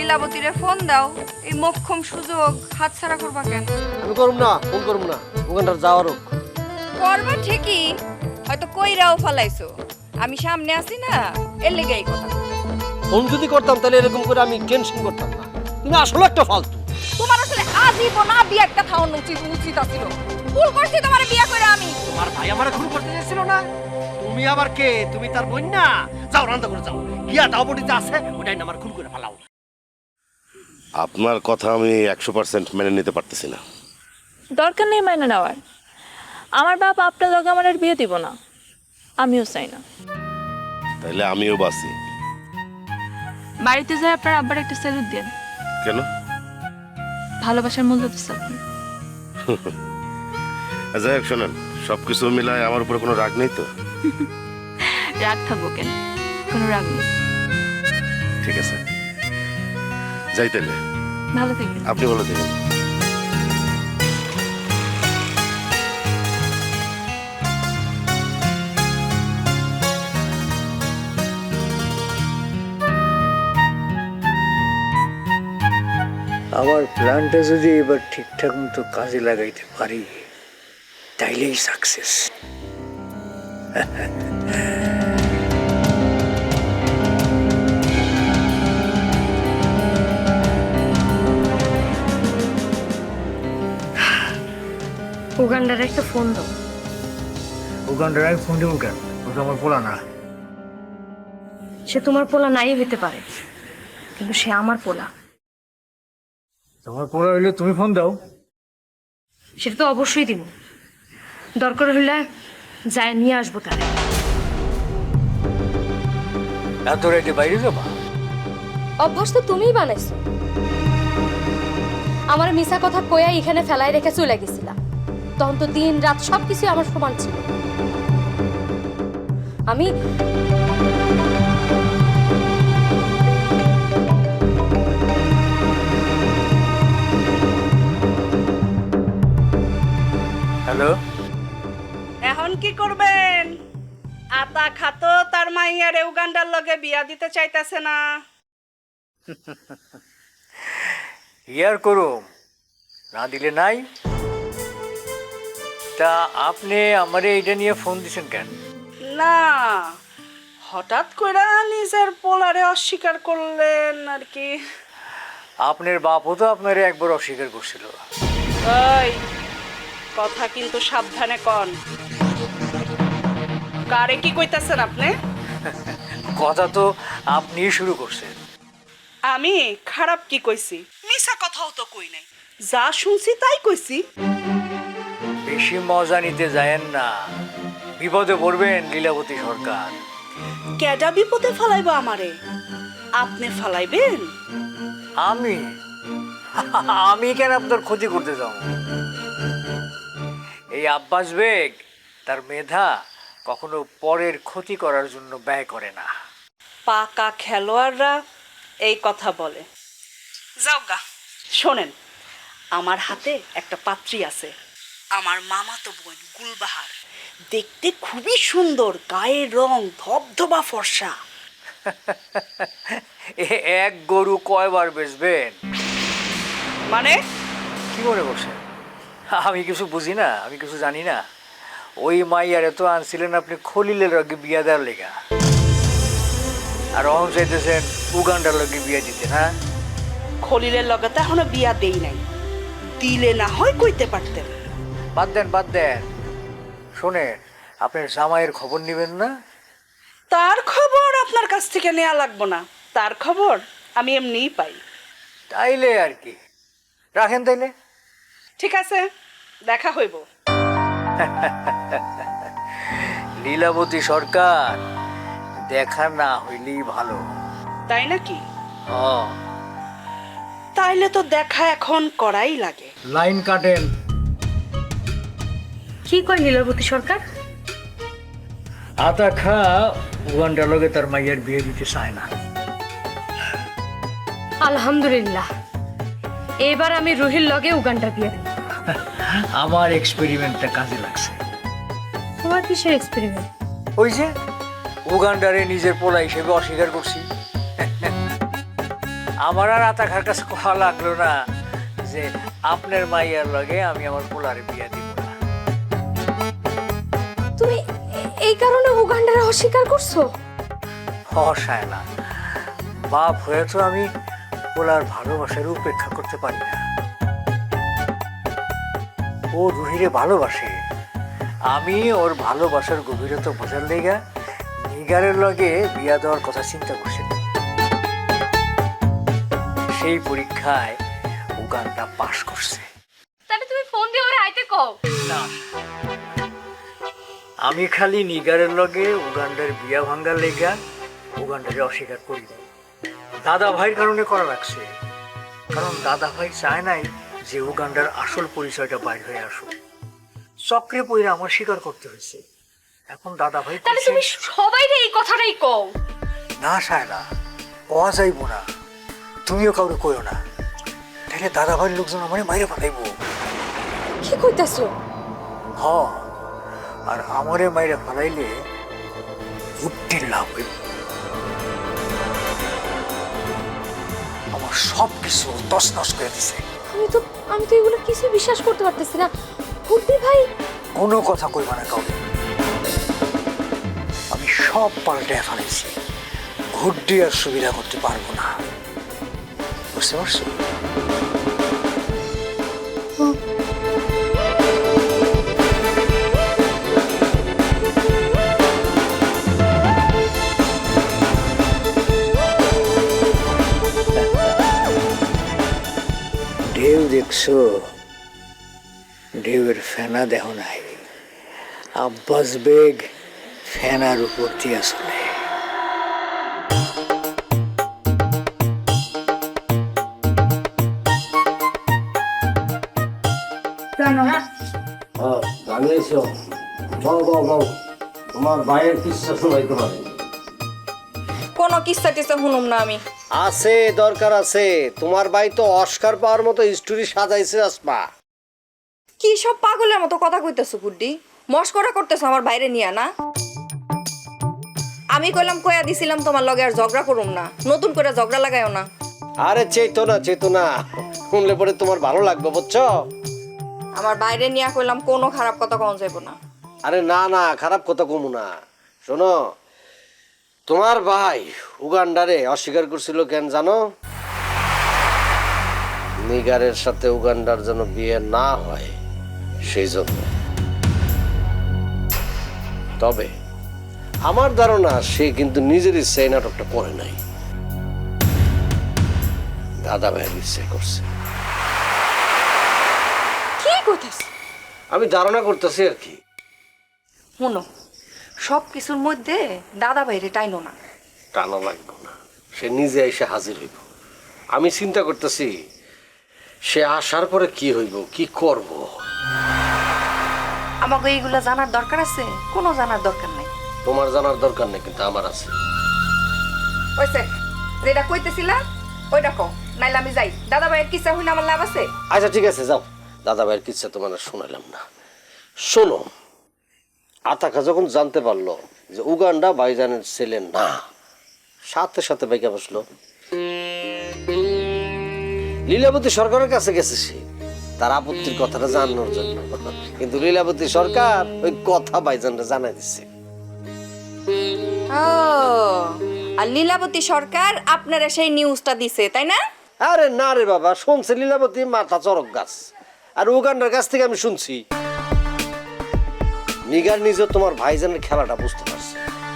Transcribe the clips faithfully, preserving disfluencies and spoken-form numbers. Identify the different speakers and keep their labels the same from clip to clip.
Speaker 1: লীলাবতীরে phone দাও, এই মোক্ষম সুযোগ হাতছাড়া করবা কেন?
Speaker 2: আমি করব না, ফোন করব না, ওখানটা যাওয়ার হোক।
Speaker 1: করবা ঠিকই, হয়তো কইরাও ফালাইছো। আমি সামনে আছি না, এর লেগে এই কথা।
Speaker 2: ফোন যদি করতাম তাহলে এরকম করে আমি টেনশন করতাম না। তুমি আসলে একটা ফালতু।
Speaker 1: তোমার আসলে আজীবন বিয়ে একটা খাওয়ানো উচিত উচিত ছিল। ভুল করছি তোমার বিয়ে করে আমি।
Speaker 2: তোমার ভাই আমারে খুন করতে চেয়েছিল না? তুমি আবার কে? তুমি তার বোন না? যাও রান্না করে যাও, গিয়া ডাবটিতে আছে ওটাই না আমার খুন করে ফেলাও।
Speaker 3: আপনার কথা আমি একশো পার্সেন্ট মেনে নিতে পারতেছি না।
Speaker 4: দরকার নেই মাইনে নেওয়ার। আমার বাপ আপনার লগে আমার আর বিয়ে দিব না, আমিও চাই না।
Speaker 3: তাইলে আমিও বাসি।
Speaker 4: বাড়িতে যাই আপনার আব্বার একটা স্যালুট দেন।
Speaker 3: কেন?
Speaker 4: ভালোবাসার মূল্য দিচ্ছে আপনি।
Speaker 3: যাই হোক, শোনেন, সবকিছু মিলায় আমার উপরে কোনো রাগ নেই তো?
Speaker 4: রাগ থাকবো কেন, কোনো রাগ নেই।
Speaker 3: ঠিক আছে, যাই তাইলে।
Speaker 4: ভালো থাকবেন।
Speaker 3: আপনি ভালো থাকেন।
Speaker 5: আমার প্ল্যানটা যদি এবার ঠিকঠাক মতো কাজে লাগাইতে পারি তাইলেই সাকসেস।
Speaker 6: উগান্ডার একটা ফোন দাও।
Speaker 5: উগান্ডার আমি ফোন দেবো কেন? ও তো আমার পোলা না।
Speaker 6: সে তোমার পোলা নাই হইতে পারে, কিন্তু সে আমার পোলা।
Speaker 5: তোমার পোলা হইলে তুমি ফোন দাও।
Speaker 6: সেটা তো অবশ্যই দিব, দরকার হইলে যায় নিয়ে আসবো তারে।
Speaker 5: এত রাইতে বাইরে যাবা?
Speaker 6: অভ্যাস তো তুমিই বানাইছো। আমার মিছা কথা কইয়া এখানে ফেলাই রেখে চলে গেছিলাম। তখন তো দিন রাত সবকিছু আমার সমান ছিল। আমি
Speaker 5: হ্যালো,
Speaker 7: এখন কি করবেন? আতা খাতো তার মাইয়ারে উগান্ডার লগে বিয়া দিতে চাইতেছে না।
Speaker 5: ইয়ার করুম, না দিলে নাই। তা আপনি আমারে এইটা নিয়ে ফোন দিছেন কেন?
Speaker 7: না, হঠাৎ করে নিজের পোলারে অস্বীকার করলেন আর কি।
Speaker 5: আপনার বাপও তো আপনারে একবার অস্বীকার করছিল।
Speaker 7: ওই কথা কিন্তু সাবধানে কন। কারে কি কইতাছেন আপনি?
Speaker 5: কথা তো আপনিই শুরু করছেন।
Speaker 7: আমি খারাপ কি কইছি? মিছা কথাও তো কই নাই, যা শুনছি তাই কইছি।
Speaker 5: বেশি মজা নিতে যায়েন না, বিপদে পড়বেন লীলাবতী সরকার।
Speaker 7: কেডা বিপদে ফালাইবো আমারে? আপনি ফালাইবেন?
Speaker 5: আমি আমি কেন আপনার ক্ষতি করতে যাব? এই আব্বাস বেগ তার মেধা কখনো পরের ক্ষতি করার জন্য ব্যয় করে না।
Speaker 7: পাকা খেলোয়াড়রা এই কথা বলে। যাও গা, শোনেন, আমার হাতে একটা পাত্রী আছে, আমার মামাতো বোন গুলবাহার। দেখতে খুবই সুন্দর, গায়ের রং ধবধবা ফর্সা।
Speaker 5: এ এক গরু কয়বার বেচবেন?
Speaker 7: মানে
Speaker 5: কি মনে করছেন আমি কিছু বুঝি না? আমি কিছু জানি না? ওই মাইয়ারে তো আনছিলেন আপনি খলিলের লগে বিয়া দেওয়ার লেগা, আর অহন চাইতেছেন উগান্ডার লগে বিয়া দিতে। হ্যাঁ,
Speaker 7: খলিলের লগে তো এখনো বিয়া দেই নাই, দিলে না হয় কইতে পারতেন।
Speaker 5: বাদ দেন বাদ দেন। শোনেন, আপনার জামাইয়ের খবর নেবেন না?
Speaker 7: তার খবর আপনার কাছ থেকে নেওয়া লাগবো না, তার খবর আমি এমনিই পাই।
Speaker 5: তাইলে আর কি, রাখেন তাইলে।
Speaker 7: ঠিক আছে, দেখা হইব।
Speaker 5: লীলাবতী সরকার, দেখা না হইলেই ভালো।
Speaker 7: তাই নাকি?
Speaker 5: হ্যাঁ,
Speaker 7: তাইলে তো দেখা এখন করাই লাগে।
Speaker 5: লাইন কাটেন।
Speaker 6: কি কয় লীলাবতী সরকার?
Speaker 5: আতা খা উগান্ডার লগে তার মাইয়ার বিয়ে দিতে চায় না।
Speaker 6: আলহামদুলিল্লাহ, এবার আমি রুহির লগে উগান্ডার বিয়ে দেব।
Speaker 5: আমার এক্সপেরিমেন্টটা কাজে লাগছে।
Speaker 6: তোমার কিসের এক্সপেরিমেন্ট?
Speaker 5: ওই যে উগান্ডারে নিজের পোলা হিসেবে অস্বীকার করছি। আমার আর আতাখার কাছে কথা লাগলো না যে আপনার মাইয়ার লগে আমি আমার পোলারে বিয়া দিব না।
Speaker 6: তুমি এ- এই কারণে উগান্ডারে অস্বীকার করছো?
Speaker 5: হসায় না, বাপ হয়ে তো আমি পোলার ভালোবাসার উপেক্ষা করতে পারি না। ও রুহিরে ভালোবাসে, আমি ওর ভালোবাসার গভীরতা বোঝার লেগা নিগারের লগে বিয়া দেওয়ার কথা চিন্তা করছি। সেই পরীক্ষায় উগান্ডা পাশ করছে।
Speaker 6: তাহলে তুমি ফোন দিয়ে ওরে আইতে কও।
Speaker 5: না, আমি খালি নিগারের লগে উগান্ডার বিয়া ভাঙ্গার লেগা উগান্ডারে অস্বীকার করি নাই। দাদা ভাইয়ের কারণে করা লাগছে, কারণ দাদা ভাই চায় নাই যে উগান্ডার আসল পরিচয়টা বাইর হয়ে আসুক। চক্রে পইরা আমার স্বীকার করতে হয়েছে। এখন দাদা ভাই
Speaker 6: তাহলে তুমি সবাইরে এই কথাটাই কও।
Speaker 5: না সায়না, পাওয়া যাইব না, তুমিও কাউরে কইও না, তাহলে দাদা ভাইয়ের লোকজন আমার মাইরে ফেলাইব।
Speaker 6: কি কইতাছো?
Speaker 5: হ, আর আমারে মাইরে ফেলাইলে বুদ্ধির লাভ হইব। আমার সব কিছু তছনছ করে দিছে।
Speaker 6: আমি তো আমি তো এগুলো কিছু বিশ্বাস করতে পারতেছি না। বুদ্ধি ভাই
Speaker 5: কোনো কথা কইবা না কাউকে। আমি সব পাল্টে ফেলেছি, ঘুরডি আর সুবিধা করতে পারবো না, বুঝতে পারছো? ঢেউ দেখছো? ঢেউয়ের ফেনা দেহ নাই, আব্বাস বেগ ফেনার উপর দিয়ে চলে।
Speaker 2: জানিয়েছো, বল বল বল, তোমার ভাইয়ের কিচ্ছা শোনাইতে পারে?
Speaker 1: কোনো কিস্সা টিস্সা শুনুম না আমি।
Speaker 2: আছে, দরকার আছে। তোমার ভাই তো অস্কার পাওয়ার মতো স্টোরি সাজাইছে আসমা।
Speaker 1: কি সব পাগলের মতো কথা কইতেছো গুড্ডি? মস্করা করতেছো আমার বাইরে নিয়ে না? আমি কইলাম কইয়া দিছিলাম তোমার লগে আর ঝগড়া করুম না, নতুন করে ঝগড়া লাগাইও না।
Speaker 2: আরে চেতনা চেতনা, শুনলে পরে তোমার ভালো লাগবে, বুঝছো?
Speaker 1: আমার বাইরে নিয়ে কইলাম কোনো খারাপ কথা কম যাইব না।
Speaker 2: আরে না না, খারাপ কথা কমু না। শোনো, তোমার ভাই উগান্ডারে অস্বীকার করছিল কেন জানো? নিগারের সাথে উগান্ডার যেন বিয়ে না হয় সেই জন্য। তবে আমার ধারণা সে কিন্তু নিজের ইচ্ছায় নাটকটা করে নাই, দাদা ভাইয়ের ইচ্ছায় করছে।
Speaker 1: কি কইতাছ?
Speaker 2: আমি ধারণা করতেছি আর কি।
Speaker 1: শুনো, সব কিছুর মধ্যে দাদা বাইরে টাইনো না।
Speaker 2: টানা লাগবে না, সে নিজে এসে হাজির হইব। আমি চিন্তা করতেছি সে আসার পরে কি হইব, কি করব।
Speaker 1: আমাকে এইগুলা জানার দরকার আছে? কোনো জানার দরকার নাই।
Speaker 2: তোমার জানার দরকার নেই, কিন্তু আমার আছে।
Speaker 1: ওইসে যেটা কইতেছিলা ওইটা কও, নাইলে আমি যাই। দাদা ভাইয়ের কিসা হইলে আমার লাভ আছে?
Speaker 2: আচ্ছা ঠিক আছে, যাও। দাদা ভাইয়ের কিচ্ছা তোমার আর শোনাইলাম না। শোনো, আতাকা যখন জানতে পারলো যে উগান্ডা ভাইজানের ছেলে না, সাথে সাথে বাইকা বসলো। লীলাবতী সরকারের কাছে গেছে সে তার আপত্তির কথাটা জানানোর জন্য, কিন্তু লীলাবতী সরকার ওই কথা ভাইজানরা জানাই দিচ্ছে।
Speaker 1: ও, আর লীলাবতী সরকার আপনারা সেই নিউজটা দিছে, তাই না?
Speaker 2: আরে না রে বাবা, শুনছে লীলাবতী মাথা চরক গাছ, আর উগান্ডার কাছ থেকে আমি শুনছি। নিগার নিজে তোমার ভাইজানের খেলাটা বুঝতে পারছে।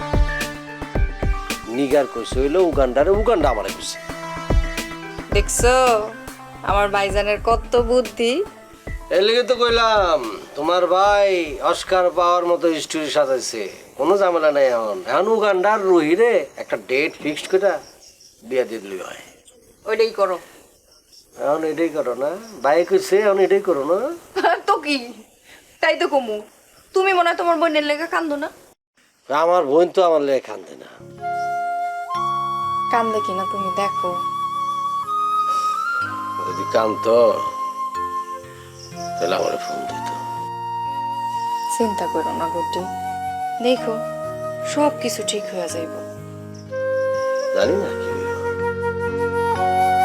Speaker 2: নিগার কইছে হইলো উগান্ডারে, উগান্ডা আমারে কইছে।
Speaker 1: দেখছো আমার ভাইজানের কত বুদ্ধি।
Speaker 2: এর লেগে তো কইলাম তোমার ভাই অস্কার পাওয়ার মতো স্টোরি সাজাইছে, কোনো ঝামেলা নাই। এখন এখন উগান্ডার রুহিরে একটা ডেট ফিক্সড করে বিয়া দিয়ে দিলি হয়।
Speaker 1: ওইটাই করো।
Speaker 2: এখন এটাই করো না, ভাই কইছে এখন এটাই করো না।
Speaker 1: তো কি, তাই তো কমু। তুমি মনে হয় তোমার বোনের লেগে কান্দো না?
Speaker 2: আমার বোন তো আমার লেগে কান্দে না।
Speaker 1: কান্দে কিনা তুমি দেখো।
Speaker 2: যদি কান্দতো তাহলে আমার ফোন দিত।
Speaker 1: চিন্তা করো না গুড্ডি, দেখো সব কিছু ঠিক হয়ে যাইব।
Speaker 2: জানি না কি হইব।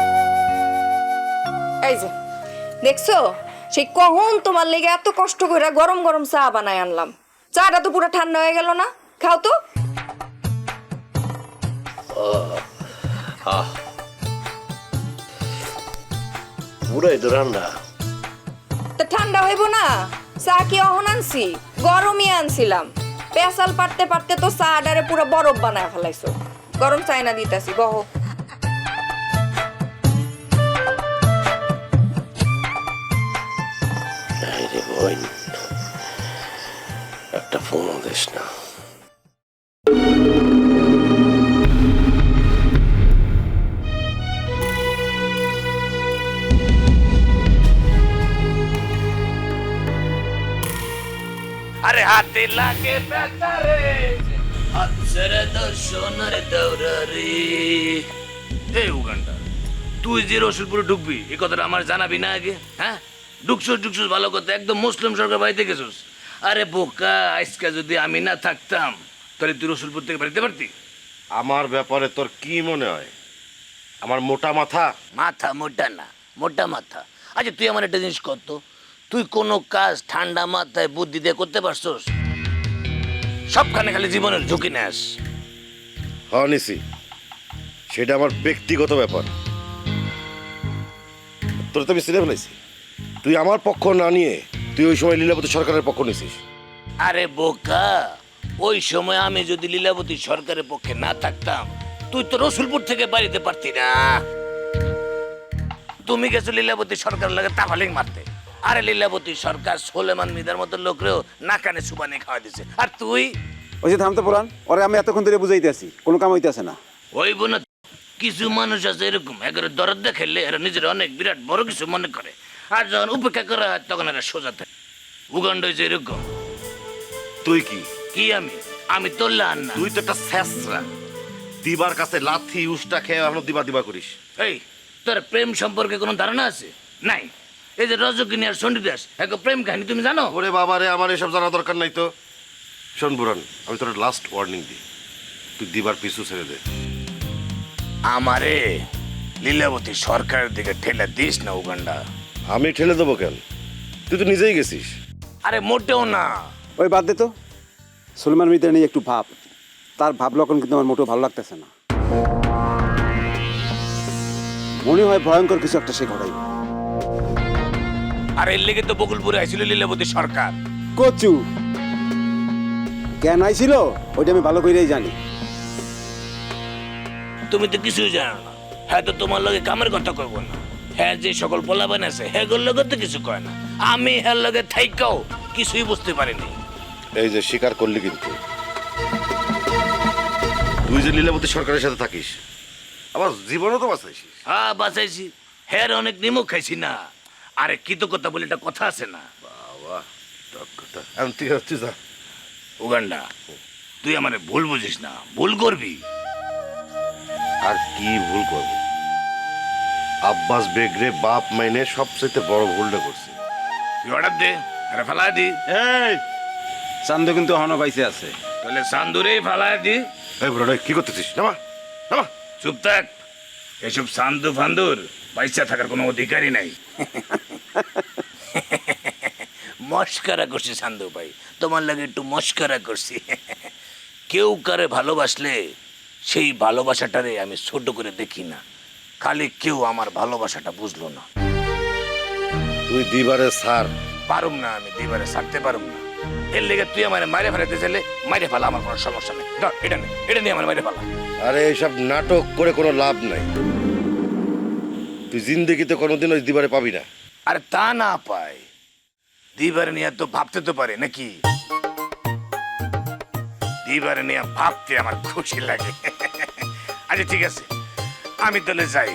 Speaker 1: এই যে দেখছো সেই কখন তোমার লেগে এত কষ্ট করে গরম গরম চা বানায় আনলাম, চাটা তো পুরো ঠান্ডা হয়ে গেল না, খাও তো।
Speaker 2: পুরাই তো ঠান্ডা।
Speaker 1: তা ঠান্ডা হইব না? চা কি অহন আনছি? গরমই আনছিলাম। পেশাল পারতে পারতে তো চা ডারে পুরো বরফ বানায় ফেলাইছো। গরম চাই না দিতেছি, বহো।
Speaker 2: রে বোন, একটা ফোন দিস না।
Speaker 8: আরে হাতে লাগে বেতারে আছরে দর্শনের দৌড়ারে। এই উগান্ডা, তুই যে রসুলপুরে ঢুকবি এই কথাটা আমার জানাবি না আগে? হ্যাঁ, ঢুকছুস ঢুকছুস ভালো কথা, একদম মুসলিম সরকার বাড়িতে গেছিস। আরে বোকা, আজকে যদি আমি না থাকতাম তাহলে তুই রসুলপুর থেকে বাড়িতে পারতি?
Speaker 3: আমার ব্যাপারে তোর কি মনে হয়? আমার মোটা মাথা?
Speaker 8: মাথা মোটা না, মোটা মাথা। আচ্ছা তুই আমার একটা জিনিস করতো, তুই কোনো কাজ ঠান্ডা মাথায় বুদ্ধি দিয়ে করতে পারছস? সবখানে খালি জীবনের ঝুঁকি নেস।
Speaker 3: হ্যাঁ নিছি, সেটা আমার ব্যক্তিগত ব্যাপার। তোর তো আমি সিনে ফেলাইছি, তুই আমার পক্ষ না নিয়ে তুই ওই সময় লীলাবতী সরকারের পক্ষ নিছিস।
Speaker 8: আরে বোকা, ওই সময় আমি যদি লীলাবতী সরকারের পক্ষে না থাকতাম তুই তো রসুলপুর থেকে বাড়িতে পারতি না। তুমি গেছো লীলাবতী সরকার লাগে তাফালিং মারতে, আরে লীলাবতী সরকার সোলেমান মিদার মতো লোকরেও নাকানে সুবানি খাওয়া দিছে, আর তুই
Speaker 9: ওই যে থামতে পুরান ওরে আমি এতক্ষণ ধরে বুঝাইতে আছি, কোনো কাম হইতেছে না।
Speaker 8: ওই বোন, কিছু মানুষ আছে এরকম, একেবারে দরদ দেখাইলে এরা নিজের অনেক বিরাট বড় কিছু মনে করে, আর যখন উপেক্ষা করা হয় তখন এরা সোজা থাকে। উগান্ড হয়েছে এরকম।
Speaker 3: তুই কি
Speaker 8: কি আমি আমি তোল্লা আর না।
Speaker 3: তুই তো একটা স্যাসরা, দিবার কাছে লাথি উষ্টা খেয়ে এখনো দিবা দিবা করিস।
Speaker 8: এই, তোর প্রেম সম্পর্কে কোনো ধারণা আছে? নাই। এই যে রজকিনী আর চণ্ডীদাস এক প্রেম কাহিনী তুমি জানো?
Speaker 3: ওরে বাবা রে, আমার এসব জানা দরকার নাই তো। শোন বুরান, আমি তোর লাস্ট ওয়ার্নিং দিই, তুই দিবার পিছু ছেড়ে দে।
Speaker 8: আমারে লীলাবতী সরকারের দিকে ঠেলে দিস না উগান্ডা।
Speaker 3: আমি ঠেলে দেবো কেন? তুই তো নিজেই গেছিস।
Speaker 8: আরে মোটেও না।
Speaker 9: ওই বাদ দে তো, সুলেমান মির্জা নিয়ে একটু ভাব, তার ভাব লক্ষণ কিন্তু আমার মোটেও ভালো লাগতেছে না। মনে হয় ভয়ঙ্কর কিছু একটা সে ঘটাইব।
Speaker 8: আর এর লেগে তো বকুলপুরে আইছিল লীলাবতী সরকার।
Speaker 9: কচু কেন আইছিল ওইটা আমি ভালো করেই জানি।
Speaker 8: তুমি তো কিছুই জানো না। হ্যাঁ, তো তোমার লগে কামের কথা কইব না। হ্যাঁ, যে সকল পোলা বানাইছে হ্যাঁ গোর লগে তো কিছু কয় না। আমি হ্যাঁ লগে থাইকাও কিছুই বুঝতে পারিনি।
Speaker 3: এই যে স্বীকার করলি, কিন্তু তুই যে লীলাবতী সরকারের সাথে থাকিস, আমার জীবনও তো বাঁচাইছিস।
Speaker 8: হ্যাঁ, বাঁচাইছি। হ্যাঁ, অনেক নিমক খাইছি না। আরে কৃতজ্ঞতা বলে একটা কথা আছে না?
Speaker 3: বাবা, কথা আমি তুই তুই যা।
Speaker 8: উগান্ডা, তুই আমারে ভুল বুঝিস না, ভুল করবি।
Speaker 3: আর কি ভুল করবো? আব্বাস বেগরে বাপ মাইনে সবচেয়ে বড় ভুলটা করছে।
Speaker 8: তুই অর্ডার দে, আরে ফালা দি।
Speaker 9: এই চান্দু কিন্তু এখনো বাইসে আছে।
Speaker 8: তাহলে সান্দুরেই ফালা দি।
Speaker 3: এই বুড়ো কি করতেছিস? নামা নামা।
Speaker 8: চুপ থাক। এসব সান্দু ফান্দুর পয়সা থাকার কোনো অধিকারই নাই। মস্কারা করছি সান্দু ভাই, তোমার লাগে একটু মস্কারা করছি। কেউ কারে ভালোবাসলে সেই ভালোবাসাটারে আমি ছোট করে দেখি না। খালি কেউ আমার ভালোবাসাটা বুঝলো না।
Speaker 3: তুই দিবারে সার।
Speaker 8: পারুম না, আমি দিবারে ছাড়তে পারুম না। এর লেগে তুই আমার মাইরে ফেলাতে চাইলে মাইরে ফেলা, আমার কোনো সমস্যা নেই। ধর এটা নেই, এটা নিয়ে আমার মাইরে ফেলা।
Speaker 3: আরে এইসব নাটক করে কোনো লাভ নাই। তুই জিন্দেগিতে কোনোদিন ওই দিবারে পাবি না।
Speaker 8: আরে তা না পাই, দিবারে নিয়ে তো ভাবতে তো পারে নাকি? দিবারে নিয়ে ভাবতে আমার খুশি লাগে। আচ্ছা ঠিক আছে, আমি তাহলে যাই।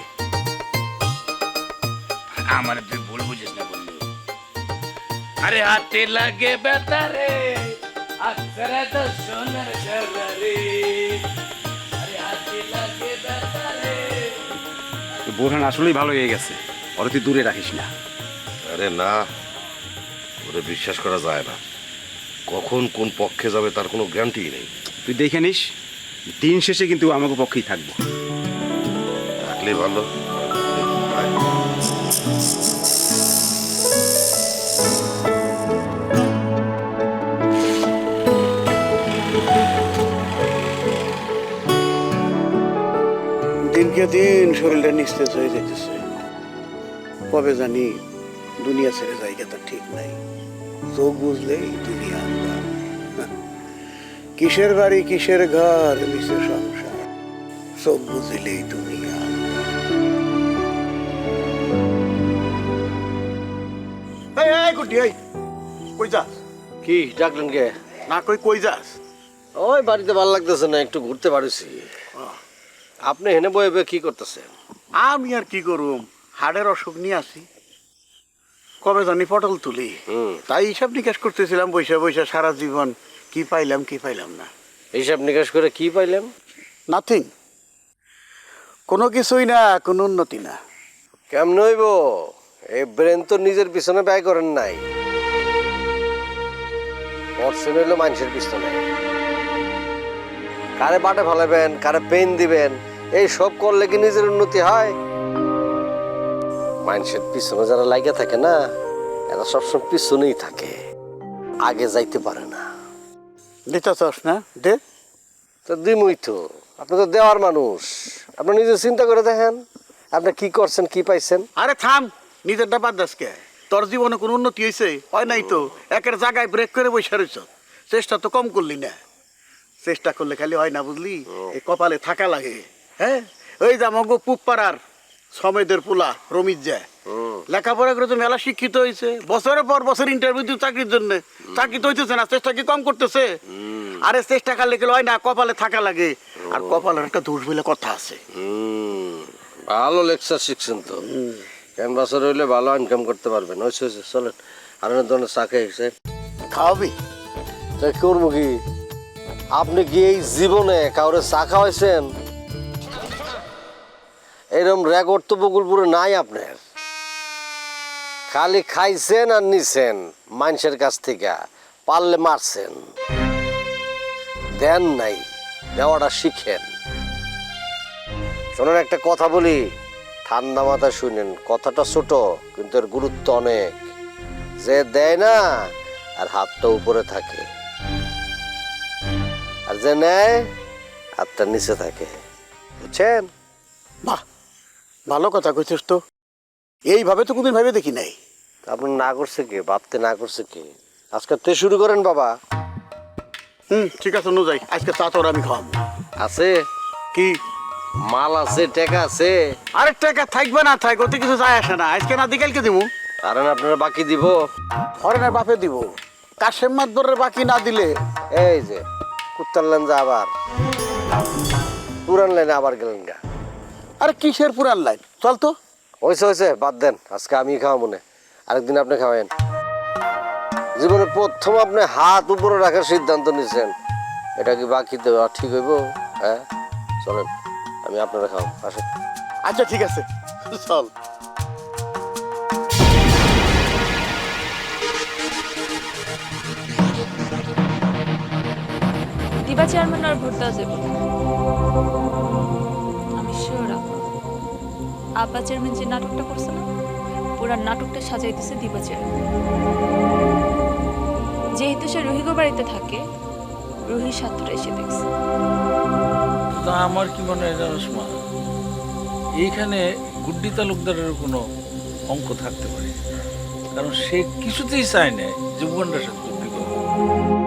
Speaker 8: আমার তুই ভুল বুঝিস না বললি। আরে হাতে লাগে বেতারে আছরে তো সোনার ঝালারে। আরে হাতে লাগে বেতারে।
Speaker 9: বোরহান আসলেই ভালো হয়ে গেছে, ওরে তুই দূরে রাখিস না।
Speaker 3: আরে না, ওরে বিশ্বাস করা যায় না। কখন কোন পক্ষে যাবে তার কোনো গ্যারান্টি নেই।
Speaker 9: তুই দেখে নিস, দিন শেষে কিন্তু আমাকে পক্ষেই থাকবো।
Speaker 3: থাকলে ভালো।
Speaker 10: দিনকে দিন শরীরটা নিস্তেজ হয়ে যেতেছে। কবে জানি দুনিয়া ছেড়ে জায়গাটা ঠিক নাই। চোখ বুঝলেই দুনিয়া আন্দার। কিসের বাড়ি কিসের ঘর মিশে সংসার, চোখ বুঝলেই দুনিয়া আন্দার। এই এই গুটি, এই কই যাস?
Speaker 2: কি ডাকলেন কে?
Speaker 10: না কই কই যাস?
Speaker 2: ওই বাড়িতে ভালো লাগতেছে না, একটু ঘুরতে পারিছি। আপনি হেনে বয়ে বয়ে কি করতেছেন?
Speaker 10: আমি আর কি করুম, হাড়ের অসুখ নিয়ে আসি। কবে জানি পটল তুলি, তাই হিসাব নিকাশ করতেছিলাম বৈশা বৈশা সারা জীবন। কি পাইলাম কি পাইলাম না।
Speaker 2: হিসাব নিকাশ করে কি পাইলেন?
Speaker 10: নাথিং, কোনো কিছুই না, কোনো উন্নতি না।
Speaker 2: কেমন হইব? এই ব্রেন তো নিজের পিছনে ব্যয় করেন নাই, পড়ছেন হইলো মানুষের পিছনে। কারে বাটে ফেলাবেন, কারে পেন দিবেন, এই সব করলে কি নিজের উন্নতি হয়? মানুষের পিছনে যারা লাগিয়ে থাকে না, এরা সবসময় পিছনেই থাকে, আগে যাইতে পারে না।
Speaker 10: দিতে চাস না? দে।
Speaker 2: তো দিমই তো, আপনি তো দেওয়ার মানুষ, আপনি নিজে চিন্তা করে দেখেন আপনি কি করছেন, কি পাইছেন।
Speaker 10: আরে থাম, নিজেরটা বাদ দাস কে? তোর জীবনে কোনো উন্নতি হয়েছে? হয় নাই তো, একের জায়গায় ব্রেক করে বসে রয়েছ। চেষ্টা তো কম করলি না। চেষ্টা করলে খালি হয় না, বুঝলি? এই কপালে থাকা লাগে। হ্যাঁ, ওই যে আমাকে পুপ পাড়ার সমেদের পোলা রমিত যায়, লেখাপড়া করে তো মেলা শিক্ষিত হয়েছে, বছরের পর বছর ইন্টারভিউ দিতে চাকরির জন্য। চাকরি তো হইতেছে না, চেষ্টা কি কম করতেছে? আরে চেষ্টা করলে গেলে হয় না, কপালে থাকা লাগে। আর কপালের একটা দোষ বলে কথা আছে।
Speaker 2: ভালো লেকচার শিখছেন তো, ক্যানভাসের হইলে ভালো ইনকাম করতে পারবেন। ওই চলেন, আর অনেক ধরনের চা খেয়েছে,
Speaker 10: খাওয়াবি?
Speaker 2: তাই করবো কি? আপনি কি এই জীবনে কাউরে চা খাওয়াইছেন? এরকম রেকর্ড তো বকুলপুরে নাই আপনার। খালি খাইছেন আর নিছেন মানুষের কাছ থেকে, পারলে মারছেন, দেন নাই, দেওয়াটা শিখেন। শোনেন, একটা কথা বলি, ঠান্ডা মাথায় শুনেন। কথাটা ছোট কিন্তু এর গুরুত্ব অনেক। যে দেয় না আর হাতটা উপরে থাকে, আর যে নেয় হাতটা নিচে থাকে, বুঝছেন?
Speaker 10: বাহ, ভালো কথা কইছিস তো। এইভাবে তো কোনদিন ভাবে দেখি নাই।
Speaker 2: আপনার না করছে কে? ভাবতে না করছে কে? আজকে তে শুরু করেন বাবা।
Speaker 10: হুম, ঠিক আছে, নো যাই। আজকে চা তোর আমি খাওয়াবো।
Speaker 2: আছে
Speaker 10: কি
Speaker 2: মাল আছে, টাকা আছে?
Speaker 10: আরে টাকা থাকবে না থাক, ওতে কিছু যায় আসে না। আজকে না বিকালকে দিব।
Speaker 2: কারণ আপনারা বাকি দিব,
Speaker 10: হরেনের বাপে দিব। কাশেম মাতবরের বাকি না দিলে
Speaker 2: এই যে কুত্তার লেন যা আবার পুরান লাইনে আবার গেলেন গা।
Speaker 10: আরে কিসের পুরান লাইন? চল তো।
Speaker 2: হয়েছে হয়েছে, বাদ দেন, আজকে আমি খাওয়া মনে, আরেকদিন আপনি খাওয়াবেন। জীবনে প্রথম আপনি হাত উপরে রাখার সিদ্ধান্ত নিয়েছেন, এটা কি বাকি দেওয়া ঠিক হইব? হ্যাঁ চলেন, আমি আপনারা খাওয়াবো, আসেন।
Speaker 10: আচ্ছা ঠিক আছে, চল।
Speaker 4: দিবা চেয়ারম্যান আর ভোট দেওয়া যাবে না। আমি শিওর আব্বা চেয়ারম্যান যে নাটকটা করছে না, পুরা নাটকটা সাজাই দিছে দিবা চেয়ারম্যান। যেহেতু সে রুহিগো বাড়িতে থাকে, রুহির সাথটা এসে দেখছে।
Speaker 8: তা আমার কি মনে হয় জানোস মা, এইখানে গুড্ডি তালুকদারের কোনো অঙ্ক থাকতে পারে, কারণ সে কিছুতেই চায় না যে উগান্ডার সাথে চুক্তি করবে।